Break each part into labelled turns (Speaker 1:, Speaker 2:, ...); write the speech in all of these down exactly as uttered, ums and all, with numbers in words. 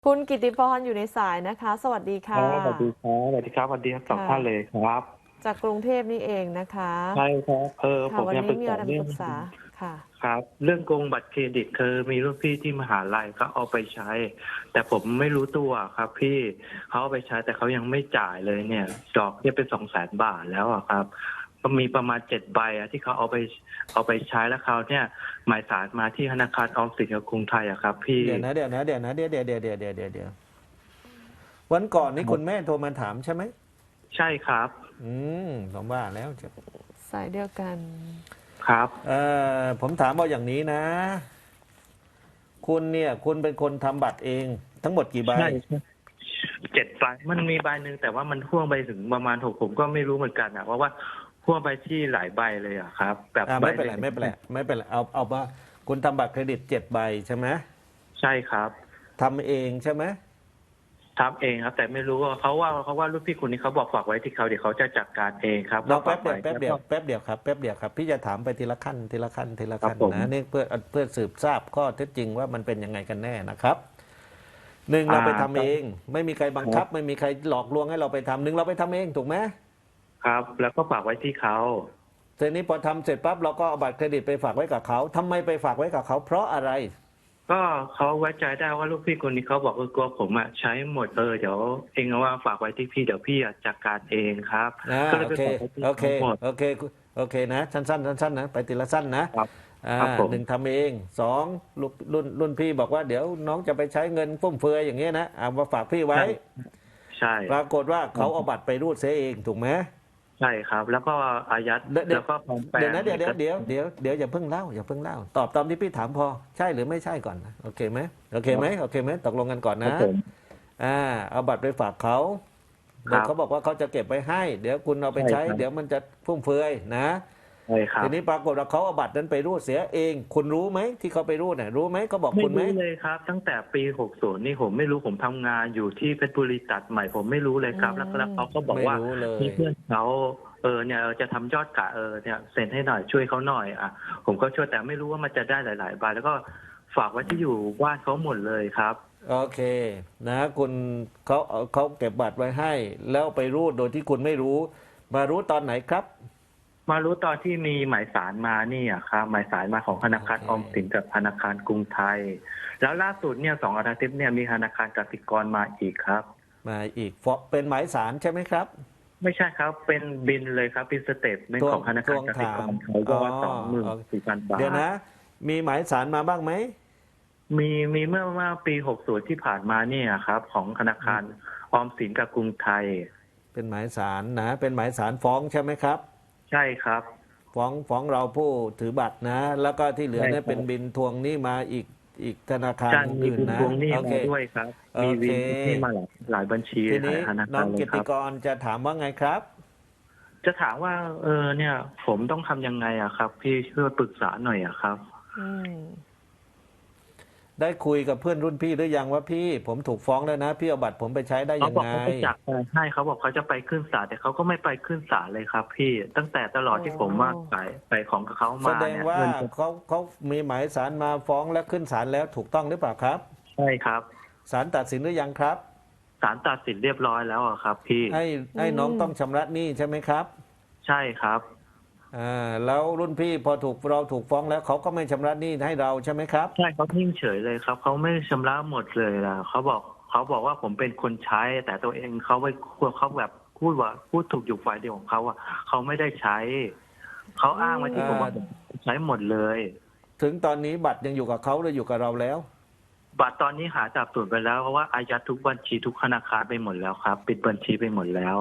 Speaker 1: คุณกิติพรอยู่ในสายนะคะ สวัสดี
Speaker 2: ครั
Speaker 1: ค่ะ
Speaker 2: บสวัสดีครับสวัสดีครับสวัสดีทั้งสอง
Speaker 1: ค่ะ
Speaker 2: ท่านเลยครับ
Speaker 1: จากกรุงเทพนี่เองนะคะ
Speaker 2: ใช่ครับเออผ
Speaker 1: ค่ะวัน
Speaker 2: มอยากปรึก
Speaker 1: นี้มีอะไร
Speaker 2: ษาเรื่อง
Speaker 1: มาปรึกษาค่ะ
Speaker 2: ครับเรื่องโกงบัตรเครดิตคือมีรุ่นพี่ที่มหาลัยเขาเอาไปใช้แต่ผมไม่รู้ตัวครับพี่เขาเอาไปใช้แต่เขายังไม่จ่ายเลยเนี่ยดอกเนี่ยเป็นสองแสนบาทแล้วอะครับก็มีประมาณเจ็ดใบอะที่เขาเอาไปเอาไปใช้แล้วเขาเนี่ยหมายสารมาที่ธนาคารออมสินกับกรุงไทยอะครับพี่
Speaker 3: เดี๋ยวนะเดี๋ยวนะเดี๋ยวนะเดี๋ยวเดี๋ยวเดี๋ยวเดี๋ยวเดี๋ยวเดี๋ยวเดี๋ยววันก่อนนี้คุณแม่โทรมาถามใช่ไหม
Speaker 2: ใช่ครับ
Speaker 3: อืมผมว่าแล้วจะ
Speaker 1: สายเดียวกัน
Speaker 2: ครับ
Speaker 3: เอ่อผมถามเอาอย่างนี้นะ คุณเนี่ยคุณเป็นคนทำบัตรเองทั้งหมดกี่ใบ
Speaker 2: ใช่ เจ็ดใบมันมีใบหนึ่งแต่ว่ามันพ่วงไปถึงประมาณหกผมก็ไม่รู้เหมือนกันอะเพราะว่าพ่วงไปที่หลายใบเลยอะครับแบบ
Speaker 3: อ่า
Speaker 2: ใบ
Speaker 3: ไม่เป็นไร
Speaker 2: หนึ่ง
Speaker 3: ไม่เป็นไรไม่เป็นไรเอาเอาว่าคุณทำบัตรเครดิตเจ็ดใบใช่ไหม
Speaker 2: ใช่ครับ
Speaker 3: ทำเองใช่ไหม
Speaker 2: ทำเองครับแต่ไม่รู้ว่าเขาว่าเขาว่าลูกพี่คนนี้เขาบอกฝากไว้ที่เขาเดี๋ยวเขาจะจัดการเองครับ
Speaker 3: เราแป๊
Speaker 2: ฝากไว้
Speaker 3: บเดียวแป๊บเดียวแป๊บเดียวครับแป๊บเดียวครับพี่จะถามไปทีละขั้นทีละขั้นทีละขั้น
Speaker 2: ครับผม
Speaker 3: นะนี่เพื่อเพื่อสืบทราบข้อเท็จจริงว่ามันเป็นยังไงกันแน่นะครับ หนึ่ง
Speaker 2: อ่า
Speaker 3: เราไปทำเองไม่มีใครบังคับ
Speaker 2: ครับ
Speaker 3: ไม่มีใครหลอกลวงให้เราไปทำหนึ่งเราไปทำเองถูกไหม
Speaker 2: ครับ แล้วก็ฝากไว้ที่เขา
Speaker 3: ทีนี้พอทำเสร็จปั๊บเราก็เอาบัตรเครดิตไปฝากไว้กับเขาทำไมไปฝากไว้กับเขาเพราะอะไร
Speaker 2: ก็เขาไว้ใจได้ว่าลูกพี่คนนี้เขาบอกเออกลัวผมอะใช้หมดเออเดี๋ยวเองเอาว่าฝากไว้ที่พี่เดี๋ยวพี่อะจัดการเองครับ
Speaker 3: นะ
Speaker 2: ก็เลย
Speaker 3: โอเค
Speaker 2: ไปฝากไว้ที่
Speaker 3: โอเค
Speaker 2: เขาหมด
Speaker 3: โอเคโอเคนะสั้นๆสั้นๆนะไปทีละสั้นนะครับอ่า
Speaker 2: ครับผม
Speaker 3: หนึ่งทำเองสองรุ่นรุ่นรุ่นพี่บอกว่าเดี๋ยวน้องจะไปใช้เงินฟุ่มเฟือยอย่างเงี้ยนะเอามาฝากพี่ไว้
Speaker 2: ใช่ใช่
Speaker 3: ปรากฏว่าเขาเอาบัตรไปรูดเสียเองถูกไหม
Speaker 2: ใช่ครับแล้วก็อายัด
Speaker 3: เดี๋ยวเดี๋ยว
Speaker 2: แล้วก็ปลอมแปล
Speaker 3: เดี๋ยว
Speaker 2: ง
Speaker 3: นะเดี๋ยวเดี๋ยว
Speaker 2: เอก
Speaker 3: เดี๋ยว
Speaker 2: สาร
Speaker 3: เดี๋ยวเดี๋ยวอย่าเพิ่งเล่าอย่าเพิ่งเล่าตอบตามที่พี่ถามพอใช่หรือไม่ใช่ก่อนนะโอเคไหมโอเคไหมโอเคไหมตกลงกันก่อน
Speaker 2: ครับ
Speaker 3: นะ
Speaker 2: ผม
Speaker 3: อ่าเอาบัตรไปฝากเขา
Speaker 2: ครั
Speaker 3: เดี๋ยว
Speaker 2: บ
Speaker 3: เขาบอกว่าเขาจะเก็บไว้ให้ เดี๋ยวคุณเอาไปใช้
Speaker 2: ใช่ครับ
Speaker 3: เดี๋ยวมันจะฟุ่มเฟือยนะ
Speaker 2: ใช่ครับ
Speaker 3: ทีนี้ปรากฏว่าเขาเอาบัตรนั้นไปรูดเสียเอง คุณรู้ไหมที่เขาไปรูดเนี่ยรู้ไหมเขาบอก
Speaker 2: ไม่
Speaker 3: คุณไหม
Speaker 2: รู้เลยครับตั้งแต่ปีหกสิบนี่ผมไม่รู้ผมทำงานอยู่ที่เพชรบุรีตัดใหม่ผมไม่รู้เลยครับแล้วก็แล้วเขาก็บอก
Speaker 3: ไม่
Speaker 2: ว่า
Speaker 3: รู้เลย
Speaker 2: มีเพื่อนเขาเออเนี่ยจะทำยอดกะเออเนี่ยเซ็นให้หน่อยช่วยเขาหน่อยอ่ะผมก็ช่วยแต่ไม่รู้ว่ามันจะได้หลายๆใบแล้วก็ฝากไว้ที่อยู่บ้านเขาหมดเลยครับ
Speaker 3: โอเคนะคุณเขาเขาเก็บบัตรไว้ให้ แล้วไปรูดโดยที่คุณไม่รู้ มารู้ตอนไหนครับ
Speaker 2: มารู้ตอนที่มีหมายสารมานี่อ่ะครับหมายสารมาของธนาคาร
Speaker 3: โอเค
Speaker 2: ออมสินกับธนาคารกรุงไทยแล้วล่าสุดเนี่ยสองอาทิตย์เนี่ยมีธนาคารกสิกรมาอีกครับ
Speaker 3: มาอีกฟอเป็นหมายสารใช่ไหมครับ
Speaker 2: ไม่ใช่ครับเป็นบินเลยครับเป็นสเตทเมน
Speaker 3: ทวง
Speaker 2: ต์ของธนา
Speaker 3: ทวง
Speaker 2: คารกสิก
Speaker 3: ถาม
Speaker 2: รเขายอดสองหมื่น
Speaker 3: อ๋อ
Speaker 2: สี่พันบาท
Speaker 3: เดี๋ยวนะมีหมายสารมาบ้างไหม
Speaker 2: มีมีเมื่อเมื่อปีหกสิบที่ผ่านมาเนี่ยครับ ของธนาคารออมสินกับกรุงไทย
Speaker 3: เป็นหมายสารนะเป็นหมายสารฟ้องใช่ไหมครับ
Speaker 2: ใช่ครับ
Speaker 3: ฟ้องฟ้องเราผู้ถือบัตรนะ แล้วก็ที่เหลือ
Speaker 2: ใช่
Speaker 3: เนี่ย
Speaker 2: ครับ
Speaker 3: เป็นบินทวงหนี้มาอีกอีกธนาคาร
Speaker 2: ใช่มี
Speaker 3: อื่นๆนะ
Speaker 2: บินทวงหนี้
Speaker 3: โอเค
Speaker 2: มาด้วยครับ
Speaker 3: โอ
Speaker 2: มี
Speaker 3: เค
Speaker 2: วินทวงหนี้มาหลายหลายบัญชี
Speaker 3: ที
Speaker 2: หลา
Speaker 3: นี้
Speaker 2: ยธนา
Speaker 3: น้องกิ
Speaker 2: คารเลยครับ
Speaker 3: ติกรจะถามว่าไงครับ
Speaker 2: จะถามว่า เออเนี่ย ผมต้องทำยังไงอะครับ พี่ช่วยปรึกษาหน่อยอะครับ
Speaker 1: อืม
Speaker 3: ได้คุยกับเพื่อนรุ่นพี่หรือยังว่าพี่ผมถูกฟ้องแล้วนะพี่เอาบัตรผมไปใช้ได้
Speaker 2: เขา
Speaker 3: ยัง
Speaker 2: บอก
Speaker 3: ไง
Speaker 2: เขาจะจัดการให้เขาบอกเขาจะไปขึ้นศาลแต่เขาก็ไม่ไปขึ้นศาลเลยครับ พี่ตั้งแต่ตลอดที่ผมว่าไปไปของกับเขา
Speaker 3: แส
Speaker 2: มา
Speaker 3: ดง
Speaker 2: เนี่ย
Speaker 3: ว่า
Speaker 2: เงิน
Speaker 3: เขาเขามีหมายสารมาฟ้องและขึ้นศาลแล้วถูกต้องหรือเปล่าครับ
Speaker 2: ใช่ครับ
Speaker 3: ศาลตัดสินหรือยังครับ
Speaker 2: ศาลตัดสินเรียบร้อยแล้วอะครับ พี่
Speaker 3: ให้ให้น้องต้องชำระหนี้ใช่ไหมครับ
Speaker 2: ใช่ครับ
Speaker 3: อ่าแล้วรุ่นพี่พอถูกเราถูกฟ้องแล้วเขาก็ไม่ชำระหนี้ให้เราใช่ไหมครับ
Speaker 2: ใช่เขานิ่งเฉยเลยครับเขาไม่ชำระหมดเลยล่ะเขาบอกเขาบอกว่าผมเป็นคนใช้ แต่ตัวเองเขาไปเขาแบบพูดว่าพูดถูกอยู่ฝ่ายเดียวของเขาอะเขาไม่ได้ใช้เขาอ้างไว้ที่ผมว่าผมใช้หมดเลย
Speaker 3: ถึงตอนนี้บัตรยังอยู่กับเขาหรืออยู่กับเราแล้ว
Speaker 2: บัตรตอนนี้หาจับส่วนไปแล้วเพราะว่าอายัดทุกบัญชีทุกธนาคารไปหมดแล้วครับปิดบัญชีไปหมดแล้ว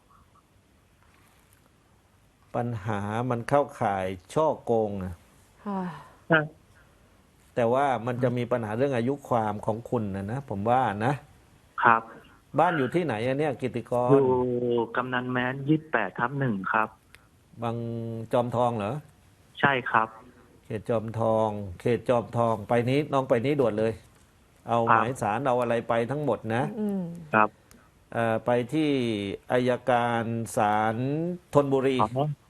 Speaker 3: ปัญหามันเข้าข่ายช่อโกงนะ
Speaker 1: ค่ะ
Speaker 3: แต่ว่ามันจะมีปัญหาเรื่องอายุความของคุณนะนะผมว่านะครับบ้านอยู่ที่ไหนอะเนี่ยกิติกร
Speaker 2: อยู่กำนันแม้นยี่สิบแปดทับหนึ่งครับ
Speaker 3: บางจอมทองเหรอ
Speaker 2: ใช่ครับ
Speaker 3: เขตจอมทอง เขตจอมทองไปนี้น้องไปนี้ด่วนเลย เอาหมายสารเอาอะไรไปทั้งหมดนะ
Speaker 1: อืม
Speaker 2: ครับ
Speaker 3: เอ่อไปที่อายการศาลธนบุรี
Speaker 2: อ๋ออ๋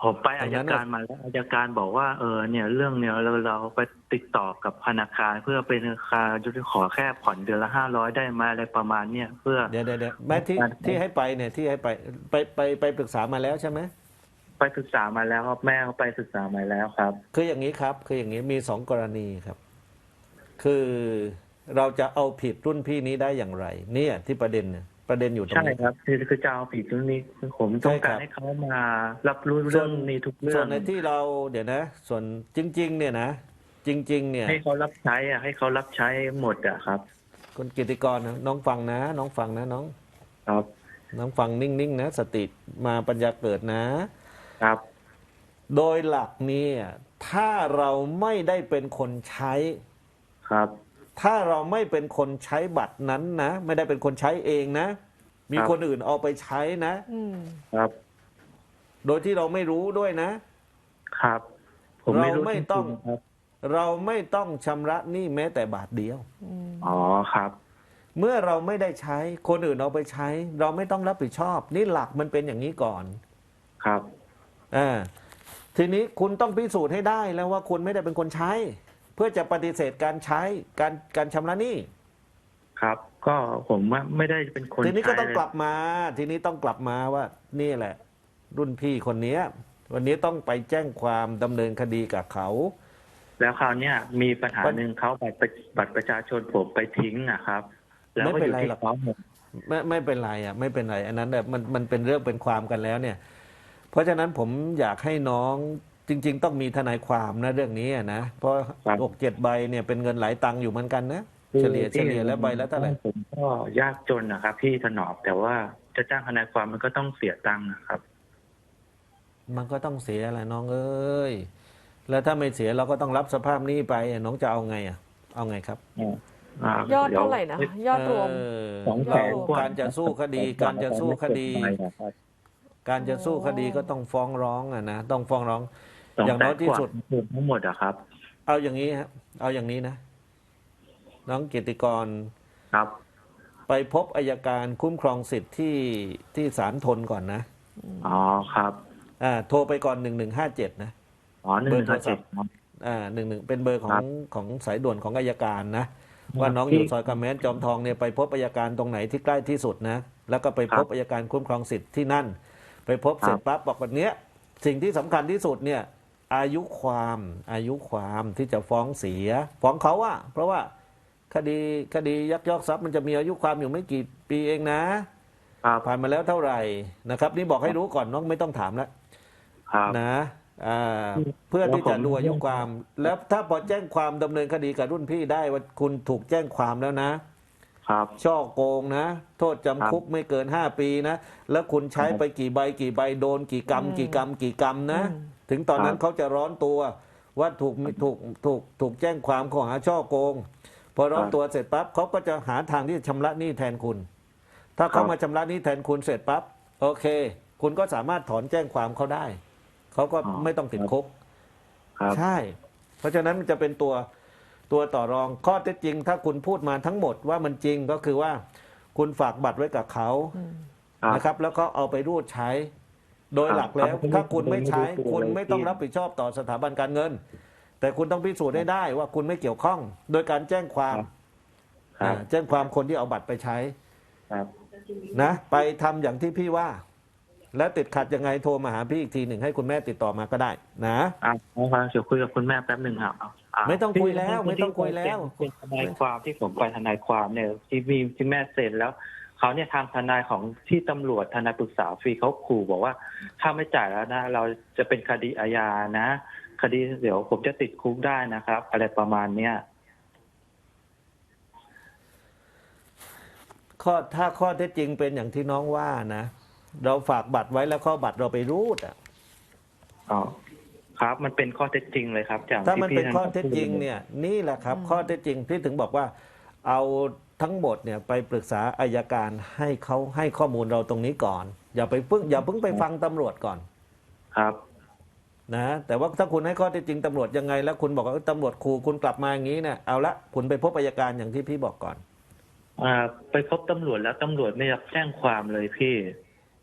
Speaker 2: ผมไป
Speaker 3: ตร
Speaker 2: อาง ย
Speaker 3: นั้น
Speaker 2: กา
Speaker 3: น่ะ
Speaker 2: รมาแล้วอายการบอกว่าเออเนี่ยเรื่องเนี่ยเราเราไปติดต่อกับธนาคารเพื่อเป็นธนาคารจะขอแค่ผ่อนเดือนละห้าร้อยได้ไหมอะไรประมาณเนี้ยเพื่อ
Speaker 3: เดี๋ยวเดี๋ยวเดี๋ยวแม่ที่ที่ให้ไปเนี่ยที่ให้ไปไปไปไปปรึกษามาแล้วใช่ไหม
Speaker 2: ไปศึกษามาแล้วครับแม่เขาไปศึกษามาแล้วครับ
Speaker 3: คืออย่างนี้ครับคืออย่างนี้มีสองกรณีครับ คือเราจะเอาผิดรุ่นพี่นี้ได้อย่างไร เนี่ยที่ประเด็นเนี่ยประเด็นอยู่ตรง
Speaker 2: ใช่
Speaker 3: นี้
Speaker 2: ครับคือคือจะเอาผิดเรื่องนี้คือผมต้องการให้เขามารับรู้เรื่องนี้ทุกเรื่
Speaker 3: ส่
Speaker 2: อ
Speaker 3: ว
Speaker 2: ง
Speaker 3: นในที่เราเดี๋ยวนะ ส่วนจริง ๆ เนี่ยนะ จริง ๆ เนี่ย
Speaker 2: ให้เขารับใช้อ่ะให้เขารับใช้หมดอ่ะครับ
Speaker 3: คุณกิติกรนะน้องฟังนะ น้องฟังนะน้อง
Speaker 2: ครับ
Speaker 3: น้องฟังนิ่ง ๆ นะ สติมาปัญญาเกิดนะ
Speaker 2: ครับ
Speaker 3: โดยหลักเนี่ยถ้าเราไม่ได้เป็นคนใช้
Speaker 2: ครับ
Speaker 3: ถ้าเราไม่เป็นคนใช้บัตรนั้นนะ ไม่ได้เป็นคนใช้เองนะ มี
Speaker 2: ครับ
Speaker 3: คนอื่นเอาไปใช้นะ
Speaker 1: อืม
Speaker 2: ครับ
Speaker 3: โดยที่เราไม่รู้ด้วยนะ
Speaker 2: ครับ ผมไม่รู้
Speaker 3: เราไม่ต้อง
Speaker 2: จริๆครับ
Speaker 3: เราไม่ต้องชำระหนี้แม้แต่บาทเดียว
Speaker 1: อืม
Speaker 2: อ๋อครับ
Speaker 3: เมื่อเราไม่ได้ใช้คนอื่นเอาไปใช้ เราไม่ต้องรับผิดชอบ นี่หลักมันเป็นอย่างนี้ก่อน
Speaker 2: ครับ
Speaker 3: อ่าทีนี้คุณต้องพิสูจน์ให้ได้แล้วว่าคุณไม่ได้เป็นคนใช้ เพื่อจะปฏิเสธการใช้การการชำระหนี้
Speaker 2: ครับ ก็ผมว่าไม่ได้เป็นคน
Speaker 3: ทีนี้ก็ต้อง
Speaker 2: ใช้
Speaker 3: กลับมา ทีนี้ต้องกลับมาว่านี่แหละ รุ่นพี่คนเนี้ย วันนี้ต้องไปแจ้งความดำเนินคดีกับเขา
Speaker 2: แล้วคราวเนี้ยมีปัญหา
Speaker 3: ปัญ
Speaker 2: หนึ่งเขาบัตรประบัตรประชาชนผมไปทิ้งอะครับ แล้ว
Speaker 3: ไม่
Speaker 2: ก็
Speaker 3: เป็
Speaker 2: อน ยู่
Speaker 3: ไร
Speaker 2: ที่
Speaker 3: หรอก
Speaker 2: เขาหมด
Speaker 3: ไม่ไม่เป็นไรอ่ะไม่เป็นไรอันนั้นแบบมันมันเป็นเรื่องเป็นความกันแล้วเนี่ย เพราะฉะนั้นผมอยากให้น้องจริง ๆ ต้องมีทนายความนะเรื่องนี้อะนะเพราะ
Speaker 2: ครับ
Speaker 3: หกเจ็ดใบเนี่ยเป็นเงินหลายตังค์อยู่เหมือนกันนะเฉลี่ยเฉลี่ยแล้วใบละเท่าไหร่
Speaker 2: ผมก็ยากจนนะครับพี่ถนอมแต่ว่าจะจ้างทนายความมันก็ต้องเสียตังค์นะครับ
Speaker 3: มันก็ต้องเสียแหละน้องเอ้ยแล้วถ้าไม่เสียเราก็ต้องรับสภาพหนี้ไปน้องจะเอาไงอ่ะเอาไงครับ
Speaker 1: ยอดเท่าไหร่นะ ยอดรวม
Speaker 3: เออ
Speaker 2: สองแส
Speaker 3: เรา
Speaker 2: นกว่า
Speaker 3: การจะสู้คดี การจะสู้คดี การจะสู้คดีก็ต้องฟ้องร้องอะนะต้องฟ้องร้อง อย่างน้อยที่สุด
Speaker 2: ทั้งหมดอะครับ
Speaker 3: เอาอย่างนี้ครับเอาอย่างนี้นะ น้องเกียรติกร
Speaker 2: ครับ
Speaker 3: ไปพบอัยการคุ้มครองสิทธิ์ที่ที่ศาลทนก่อนนะ
Speaker 2: อ๋อครับ
Speaker 3: อ่าโทรไปก่อนหนึ่งหนึ่งห้าเจ็ดนะ
Speaker 2: อ๋อหนึ่งหนึ่งห้าเจ็ด
Speaker 3: อ่าหนึ่งหนึ่งเป็นเบอร์ขอ
Speaker 2: ครั
Speaker 3: ง
Speaker 2: บ
Speaker 3: ของสายด่วนของอัยการนะ ว่า
Speaker 2: ครับ
Speaker 3: น้องอยู่ซอยกำแมนจอมทองเนี่ยไปพบอัยการตรงไหนที่ใกล้ที่สุดนะ แล้วก็ไปพบ
Speaker 2: ครับ
Speaker 3: อัยการคุ้มครองสิทธิ์ที่นั่น ไปพบ
Speaker 2: ครับ
Speaker 3: เสร็จปั๊บบอกแบบเนี้ยสิ่งที่สำคัญที่สุดเนี่ย อายุความอายุความที่จะฟ้องเสีย ฟ้องเขาอะเพราะว่าคดีคดียักยอกทรัพย์มันจะมีอายุความอยู่ไม่กี่ปีเองนะ
Speaker 2: ครับ
Speaker 3: ผ่านมาแล้วเท่าไหร่นะครับ นี่บอกให้รู้ก่อนน้องไม่ต้องถามแล้ว
Speaker 2: ครับ
Speaker 3: นะอ่าเพื่อที่จะดูอายุความ แล้วถ้าพอแจ้งความดำเนินคดีกับรุ่นพี่ได้ว่าคุณถูกแจ้งความแล้วนะ
Speaker 2: ครับ
Speaker 3: ช่อโกงนะ โทษจำคุกไม่เกินห้าปีนะ แล้วคุณใช้ไปกี่ใบกี่ใบโดนกี่กรรม
Speaker 1: อืม
Speaker 3: กี่กรรมกี่กรรมนะ
Speaker 1: อืม
Speaker 3: ถึงตอนนั้น
Speaker 2: ครับ
Speaker 3: เขาจะร้อนตัวว่าถูกถูกถูกถูกแจ้งความข้อหาช่อโกง พอร้อน
Speaker 2: ครับ
Speaker 3: ตัวเสร็จปั๊บเขาก็จะหาทางที่จะชำระหนี้แทนคุณ ถ้าเขา
Speaker 2: ครับ
Speaker 3: มาชำระหนี้แทนคุณเสร็จปั๊บโอเค คุณก็สามารถถอนแจ้งความเขาได้ เขาก็
Speaker 2: อ๋อ
Speaker 3: ไม่ต้องติดคุก
Speaker 2: ครับ
Speaker 3: ใช่ เพราะฉะนั้นมันจะเป็นตัวตัวต่อรองข้อเท็จจริง ถ้าคุณพูดมาทั้งหมดว่ามันจริงก็คือว่าคุณฝากบัตรไว้กับเขา
Speaker 1: อืม
Speaker 2: ครับ
Speaker 3: นะครับ แล้วก็เอาไปรูดใช้ โดย
Speaker 2: ครับ
Speaker 3: หลักแล้ว
Speaker 2: ครับ
Speaker 3: ถ้าคุณไม่ใช้
Speaker 2: ไม่รู้ตัว
Speaker 3: คุณ
Speaker 2: เลย
Speaker 3: ไม่ต้อง
Speaker 2: พี่
Speaker 3: รับผิดชอบต่อสถาบันการเงิน แต่คุณต้องพิสูจน์ให้ได้ว่าคุณไม่เกี่ยวข้อง โดยการแจ้งความ
Speaker 2: ครับ
Speaker 3: อ่าแจ้งความคนที่เอาบัตรไปใช้
Speaker 2: ครับ
Speaker 3: นะไปทำอย่างที่พี่ว่า แล้วติดขัดยังไงโทรมาหาพี่อีกทีหนึ่งให้คุณแม่ติดต่อมาก็ได้นะ
Speaker 2: อ่ะเอาครับเดี๋ยวคุยกับคุณแม่แป๊บหนึ่งครับอ่ะ
Speaker 3: ไม่ต้องคุยแล้ว
Speaker 2: ที่
Speaker 3: ไม่ต้องคุยแล้ว
Speaker 2: เป็นทนายความที่ผมไปทนายความเนี่ยที่มีที่แม่เซ็นแล้วเขาเนี่ยทางทนายของที่ตำรวจทนายปรึกษาฟรีเขาขู่บอกว่าถ้าไม่จ่ายแล้วนะ เราจะเป็นคดีอาญานะ คดีเดี๋ยวผมจะติดคุกได้นะครับ อะไรประมาณเนี้ย
Speaker 3: ข้อถ้าข้อเท็จจริงเป็นอย่างที่น้องว่านะ เราฝากบัตรไว้แล้วข้อบัตรเราไปรูดอ่ะ
Speaker 2: อ๋อครับมันเป็นข้อเท็จจริงเลยครับจาก
Speaker 3: ถ้ามัน
Speaker 2: ที่
Speaker 3: เป็น
Speaker 2: พี่
Speaker 3: ข้อเท็จจริงเนี่ยนี่แหละครับ ข้อเท็จจริงที่ถึงบอกว่า เอาทั้งหมดเนี่ยไปปรึกษาอายการให้เขาให้ข้อมูลเราตรงนี้ก่อน อย่าไปเพิ่งอย่าเพิ่งไปฟังตำรวจก่อน
Speaker 2: ครับ
Speaker 3: นะแต่ว่าถ้าคุณให้ข้อเท็จจริงตำรวจยังไง แล้วคุณบอกว่าเอ้ยตำรวจขู่คุณกลับมาอย่างนี้เนี่ยเอาละคุณไปพบอัยการอย่างที่พี่บอกก่อน
Speaker 2: อ่าไปพบตำรวจแล้วตำรวจไม่รับแจ้งความเลยพี่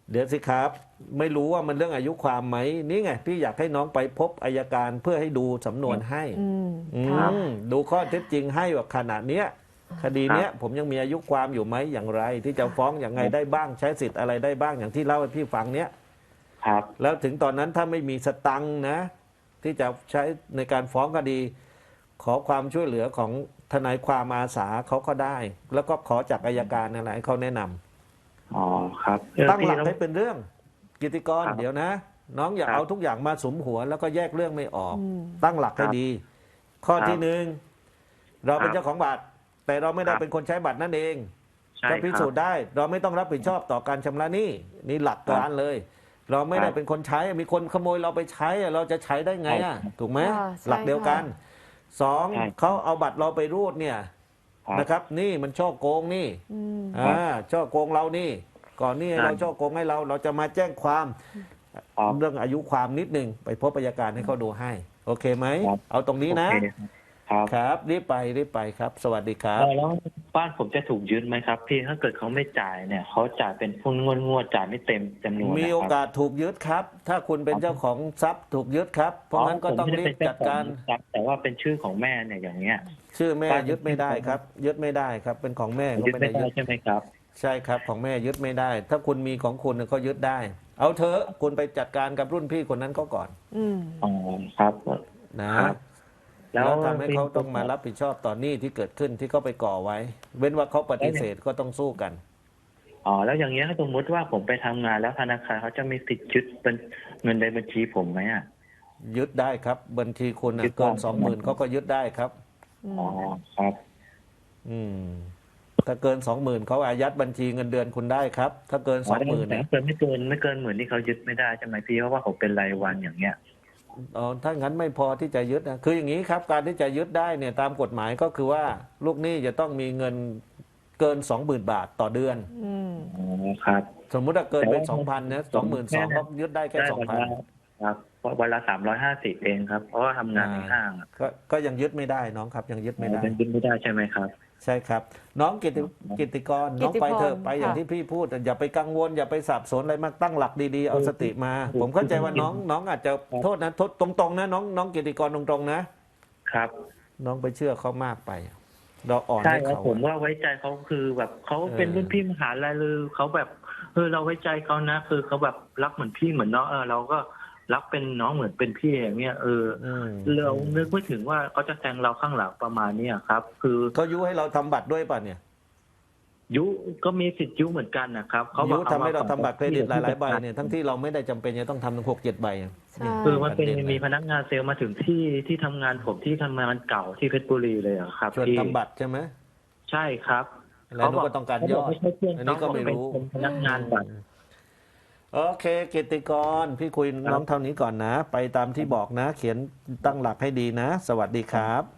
Speaker 3: เดี๋ยวสิครับ ไม่รู้ว่ามันเรื่องอายุความไหมนี่ไงพี่อยากให้น้องไปพบอัยการเพื่อให้ดูสำนวนให้
Speaker 1: อืม
Speaker 3: อื
Speaker 1: ค่ะ
Speaker 3: มดูข้อเท็จจริงให้ว่าขณะเนี้ย คดีเนี้ยผมยังมีอายุความอยู่ไหมอย่างไร ที่จะฟ้องอย่างไงได้บ้างใช้สิทธิ์อะไรได้บ้างอย่างที่เล่าให้พี่ฟังเนี้ย
Speaker 2: ครับ
Speaker 3: แล้วถึงตอนนั้นถ้าไม่มีสตังค์นะ ที่จะใช้ในการฟ้องคดี ขอความช่วยเหลือของทนายความอาสาเขาก็ได้ แล้วก็ขอจากอัยการนั่นแหละให้เขาแนะนำ
Speaker 2: อ๋อครับเออ
Speaker 3: ตั้งหลัก
Speaker 2: พี่
Speaker 3: ให้เป็นเรื่องกิตติกร
Speaker 2: ครับ
Speaker 3: เดี๋ยวนะ น้องอย่า
Speaker 2: ครับ
Speaker 3: เอาทุกอย่างมาสุมหัว แล้วก็แยกเรื่องไม่ออก
Speaker 1: อืม
Speaker 3: ตั้งหลักให้
Speaker 2: ครับ
Speaker 3: ดี ข้อ
Speaker 2: ครับ
Speaker 3: ที่หนึ่งเราเป็น
Speaker 2: ครับ
Speaker 3: เจ้าของบัตร แต่เราไม่ได้
Speaker 2: ครับ
Speaker 3: เป็นคนใช้บัตรนั่นเอง
Speaker 2: ใช่
Speaker 3: ก็
Speaker 2: ค
Speaker 3: พิ
Speaker 2: รับ
Speaker 3: สูจน์ได้ เราไม่ต้องรับผิดชอบต่อการชำระหนี้นี่หลักการเลย เราไม่ได้
Speaker 2: ครับ
Speaker 3: เป็นคนใช้มีคนขโมยเราไปใช้อะเราจะใช้ได้ไงอ่ะ
Speaker 2: ครับ
Speaker 3: ถูกไหม
Speaker 1: อ่าใช่
Speaker 3: หลักเดียวกัน
Speaker 1: ค่ะ
Speaker 3: สอง
Speaker 2: ใช่
Speaker 3: เขาเอาบัตรเราไปรูดเนี่ย
Speaker 2: ครับ
Speaker 3: นะครับ นี่มันช่อโกงนี่
Speaker 1: อืม
Speaker 3: อ่าช่อโกงเรานี่ ก่อนนี่
Speaker 2: ใช่
Speaker 3: เราช่อโกงให้เรา เราจะมาแจ้งความ
Speaker 2: ครับ
Speaker 3: เรื่องอายุความนิดหนึ่งไปพบอัยการให้เขาดูให้ โอเคไหม
Speaker 2: ครับ
Speaker 3: เอาตรงนี้นะ
Speaker 2: โอเคครับ
Speaker 3: ครับรีบไปรีบไปครับ สวัสดีครับ
Speaker 2: เออแล้วบ้านผมจะถูกยึดไหมครับ พี่ถ้าเกิดเขาไม่จ่ายเนี่ยเขาจ่ายเป็นงวดงวดๆจ่ายไม่เต็มจำนวน
Speaker 3: มี
Speaker 2: นะ
Speaker 3: โอ
Speaker 2: ครับ
Speaker 3: กาสถูกยึดครับ ถ้าคุณเป็นเจ้าของทรัพย์ถูกยึดครับ เพราะงั้นก็ต้องรีบจัดการ
Speaker 2: ครับแต่ว่าเป็นชื่อของแม่เนี่ยอย่างเงี้ย
Speaker 3: ชื่อแม่
Speaker 2: บ้าน
Speaker 3: ยึดไม่ได้ครับ ยึดไม่ได้ครับ เป็นของแม่ก็
Speaker 2: ยึด
Speaker 3: ไม่
Speaker 2: ไม่
Speaker 3: ได้
Speaker 2: ได้
Speaker 3: ยึด
Speaker 2: ใช่ไหมครับ
Speaker 3: ใช่ครับของแม่ยึดไม่ได้ ถ้าคุณมีของคุณก็ยึดได้ เอาเถอะคุณไปจัดการกับรุ่นพี่คนนั้นเขาก่อน
Speaker 1: อืม
Speaker 2: อ๋อครับ
Speaker 3: นะครับ
Speaker 2: แล้
Speaker 3: แล้ว วทำให้เขาต้องมารับผิดชอบต่อหนี้ที่เกิดขึ้นที่เขาไปก่อไว้ เว้นว่าเขาปฏิเสธก็ต้องสู้กัน
Speaker 2: อ๋อแล้วอย่างเงี้ยถ้าสมมติว่าผมไปทำงานแล้วธนาคารเขาจะมีสิทธิ์ยึดเป็นเงินในบัญชีผมไหมอ่ะ
Speaker 3: ยึดได้ครับ บัญชีคุณน่ะ
Speaker 2: ยึดได้
Speaker 3: เกินสองหมื่นเขาก็ยึดได้ครับ
Speaker 2: อ๋อครับ
Speaker 3: อืมถ้าเกินสองหมื่นเขาอายัดบัญชีเงินเดือนคุณได้ครับ ถ้าเกินสองหมื่น
Speaker 2: แต่ถ้าเกินไม่เกินไม่เกินหมื่นที่เขายึดไม่ได้ใช่ไหมพี่เพราะว่าผมเป็นรายวันอย่างเงี้ย
Speaker 3: อ๋อถ้างั้นไม่พอที่จะยึดนะคืออย่างนี้ครับการที่จะยึดได้เนี่ยตามกฎหมายก็คือว่าลูกหนี้จะต้องมีเงินเกินสองหมื่นบาทต่อเดือน
Speaker 1: อืม
Speaker 2: อ๋อครับ
Speaker 3: สมมุติถ้าเกินเป็น
Speaker 2: แต่
Speaker 3: สอง
Speaker 2: ว่า
Speaker 3: พันนะสองหมื่นสองก็ยึดได้แค่
Speaker 2: ได้
Speaker 3: สอง
Speaker 2: วัน
Speaker 3: พัน
Speaker 2: ละครับเพราะวันละสามร้อยห้าสิบเองครับ เพราะว่าทำงานในห้างอะ
Speaker 3: ก็ก็ยังยึดไม่ได้น้องครับ ยังยึดไม่ได้
Speaker 2: เป็นยึดไม่ได้ใช่ไหมครับ
Speaker 3: ใช่ครับ น้องกิติกิติกรน้องไปเถอะ
Speaker 1: กิติพร
Speaker 3: ไปอย่าง
Speaker 1: ค่ะ
Speaker 3: ที่พี่พูด อย่าไปกังวล อย่าไปสับสนอะไรมากตั้งหลักดีๆ เอาสติมา ผมเข้าใจว่าน้องน้องอาจจะโทษนะโทษตรงๆนะน้องน้องกิติกรตรงๆนะ
Speaker 2: ครับ
Speaker 3: น้องไปเชื่อเขามากไป เราอ่อน
Speaker 2: ใช่
Speaker 3: ให้
Speaker 2: ครับ
Speaker 3: เขา
Speaker 2: ผมว่าไว้ใจเขาคือแบบเขาเป็น
Speaker 3: เออ
Speaker 2: รุ่นพี่มหาลัยเลยเขาแบบเออเราไว้ใจเขานะ คือเขาแบบรักเหมือนพี่เหมือนน้องเออเราก็รักเป็นน้องเหมือนเป็นพี่อย่างเงี้ยเออ
Speaker 3: อืม
Speaker 2: เรานึกไม่ถึงว่าเขาจะแทงเราข้างหลังประมาณเนี้ยครับ คือ
Speaker 3: เขายุให้เราทำบัตรด้วยป่ะเนี่ย
Speaker 2: ยุก็มีสิทธิ์ยุเหมือนกันนะครับเขาบ
Speaker 3: ยุ
Speaker 2: อก
Speaker 3: ทำให้เราทำบัตรเครดิตหลายๆใบ
Speaker 2: ที่
Speaker 3: เนี่ยทั้งที่เราไม่ได้จำเป็นจะต้องทำถึงหกเจ็ดใบอะ
Speaker 1: ใช่
Speaker 3: เนี่ย
Speaker 2: คือมันเป็น
Speaker 3: ประเด็นเลย
Speaker 2: มีพนักงานเซลล์มาถึงที่ที่ทำงานผมที่ทำงานเก่าที่เพชรบุรีเลยอะครับ
Speaker 3: ชวน
Speaker 2: พี่
Speaker 3: ทำบัตรใช่ไหม
Speaker 2: ใช่ครับ
Speaker 3: แล้วนุก็ต้องการยอด
Speaker 2: เขาบไม่ใช่เพื่อน
Speaker 3: อันนี้ก็ไม่รู้
Speaker 2: เขาเป็นพนักงานบัตร
Speaker 3: โอเคกิตติกร พี่คุยน้องเท่านี้ก่อนนะ ไปตามที่บอกนะ เขียนตั้งหลักให้ดีนะ สวัสดีครับ